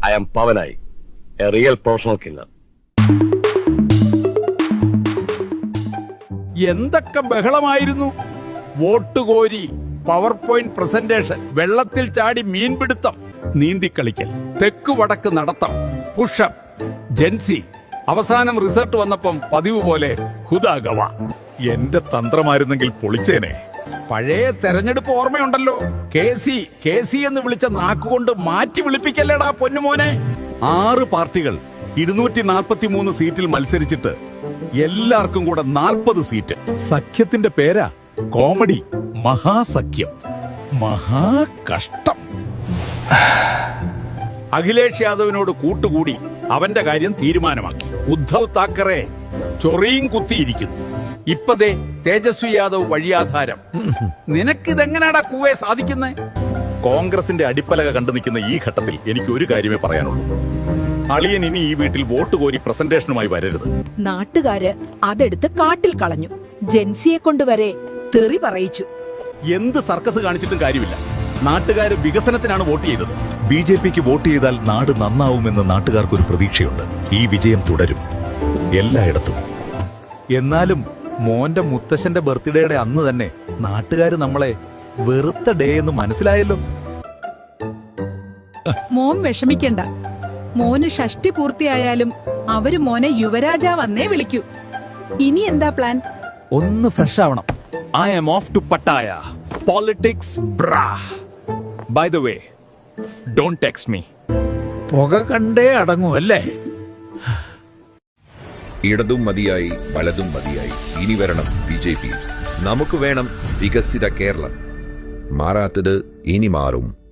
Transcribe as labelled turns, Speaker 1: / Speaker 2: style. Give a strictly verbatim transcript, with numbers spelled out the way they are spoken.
Speaker 1: I am Pavanai, a real professional killer.
Speaker 2: എന്തൊക്കെ ബഹളമായിരുന്നു. Vote കോരി, പവർ പോയിന്റ് പ്രസന്റേഷൻ, വെള്ളത്തിൽ ചാടി മീൻപിടുത്തം, നീന്തിക്കളിക്കൽ, തെക്ക് വടക്ക് നടത്തം, പുഷപ്പ്, ജെൻസി. അവസാനം റിസൾട്ട് വന്നപ്പം പതിവ് പോലെ ഹുദാഗവ. എന്റെ തന്ത്രമായിരുന്നെങ്കിൽ പൊളിച്ചേനെ. പഴയ തെരഞ്ഞെടുപ്പ് ഓർമ്മയുണ്ടല്ലോ. കെ സി കെ സി എന്ന് വിളിച്ച നാക്കുകൊണ്ട് മാറ്റി വിളിപ്പിക്കല്ലേടാ പൊന്നുമോനെ. ആറ് പാർട്ടികൾ ഇരുന്നൂറ്റി നാൽപ്പത്തി മൂന്ന് സീറ്റിൽ മത്സരിച്ചിട്ട് എല്ലാവർക്കും കൂടെ നാൽപ്പത് സീറ്റ്. സഖ്യത്തിന്റെ പേരാ കോമഡി. മഹാസഖ്യം. മഹാകഷ്ടം. അഖിലേഷ് യാദവിനോട് കൂട്ടുകൂടി അവന്റെ കാര്യം തീരുമാനമാക്കി. ഉദ്ധവ് താക്കറെ ചൊറിയും കുത്തിയിരിക്കുന്നു. ഇപ്പതേ തേജസ്വി യാദവ് വഴിയാധാരം. നിനക്കിതെങ്ങനാടാ കൂവേ സാധിക്കുന്നേ? കോൺഗ്രസിന്റെ അടിപ്പലക കണ്ടു നിൽക്കുന്ന ഈ ഘട്ടത്തിൽ എനിക്ക് ഒരു കാര്യമേ പറയാനുള്ളൂ. അളിയൻ ഇനി ഈ വീട്ടിൽ വോട്ട് കോരി പ്രസന്റേഷനുമായി വരരുത്.
Speaker 3: നാട്ടുകാര് അതെടുത്ത് കാട്ടിൽ കളഞ്ഞു. ജെൻസിയെ കൊണ്ടുവരെ തെറി പറയിച്ചു.
Speaker 2: എന്ത് സർക്കസ് കാണിച്ചിട്ടും കാര്യമില്ല. നാട്ടുകാര് വികസനത്തിനാണ് വോട്ട് ചെയ്തത്.
Speaker 4: ബി ജെ പിക്ക് വോട്ട് ചെയ്താൽ നാട് നന്നാവുമെന്ന് നാട്ടുകാർക്കൊരു പ്രതീക്ഷയുണ്ട്. ഈ വിജയം തുടരും എല്ലായിടത്തും.
Speaker 2: എന്നാലും മോന്റെ മുത്തശ്ശന്റെ ബർത്ത്ഡേയുടെ അന്ന് തന്നെ നാട്ടുകാര് നമ്മളെ വെറുത്ത ഡേ എന്ന് മനസ്സിലായല്ലോ.
Speaker 3: മോൻ വിഷമിക്കണ്ട. മോന് ഷഷ്ടി പൂർത്തിയായാലും അവര് മോനെ യുവരാജാവെന്നേ വിളിക്കൂ. ഇനി എന്താ പ്ലാൻ?
Speaker 2: ഒന്ന് ഫ്രഷ് ആവണം.
Speaker 5: I am off to Pattaya. Politics, brah. By the way, don't text me.
Speaker 2: പുക കണ്ടേ അടങ്ങൂ അല്ലേ?
Speaker 6: ഇടതും മതിയായി, വലതും മതിയായി. ഇനി വരണം ബി ജെ പി. നമുക്ക് വേണം വികസിത കേരളം. മാറാത്തത് ഇനി മാറും.